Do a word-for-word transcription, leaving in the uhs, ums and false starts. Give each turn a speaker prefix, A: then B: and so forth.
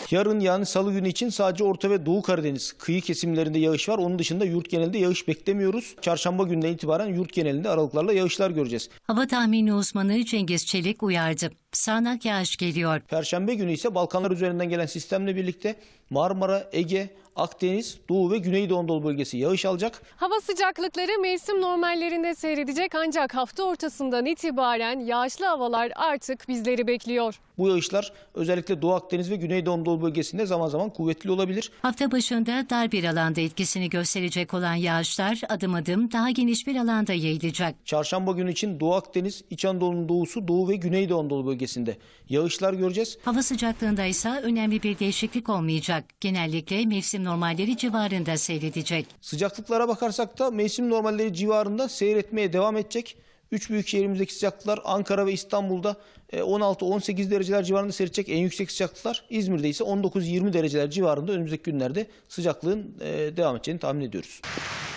A: Yarın yani salı günü için sadece Orta ve Doğu Karadeniz kıyı kesimlerinde yağış var. Onun dışında yurt genelinde yağış beklemiyoruz. Çarşamba gününden itibaren yurt genelinde aralıklarla yağışlar göreceğiz.
B: Hava tahmini uzmanı Cengiz Çelik uyardı. Sağanak yağış geliyor.
A: Perşembe günü ise Balkanlar üzerinden gelen sistemle birlikte Marmara, Ege, Akdeniz, Doğu ve Güneydoğu Anadolu bölgesi yağış alacak.
C: Hava sıcaklıkları mevsim normallerinde seyredecek ancak hafta ortasından itibaren yağışlı havalar artık bizleri bekliyor.
A: Bu yağışlar özellikle Doğu Akdeniz ve Güneydoğu Anadolu bölgesinde zaman zaman kuvvetli olabilir.
B: Hafta başında dar bir alanda etkisini gösterecek olan yağışlar adım adım daha geniş bir alanda yayılacak.
A: Çarşamba günü için Doğu Akdeniz, İç Anadolu'nun doğusu, Doğu ve Güneydoğu Anadolu bölgesinde yağışlar göreceğiz.
B: Hava sıcaklığında ise önemli bir değişiklik olmayacak. Genellikle mevsim normalleri civarında seyredecek.
A: Sıcaklıklara bakarsak da mevsim normalleri civarında seyretmeye devam edecek. Üç büyük şehrimizdeki sıcaklıklar Ankara ve İstanbul'da on altı on sekiz dereceler civarında seyredecek en yüksek sıcaklıklar. İzmir'de ise on dokuz yirmi dereceler civarında önümüzdeki günlerde sıcaklığın devam edeceğini tahmin ediyoruz.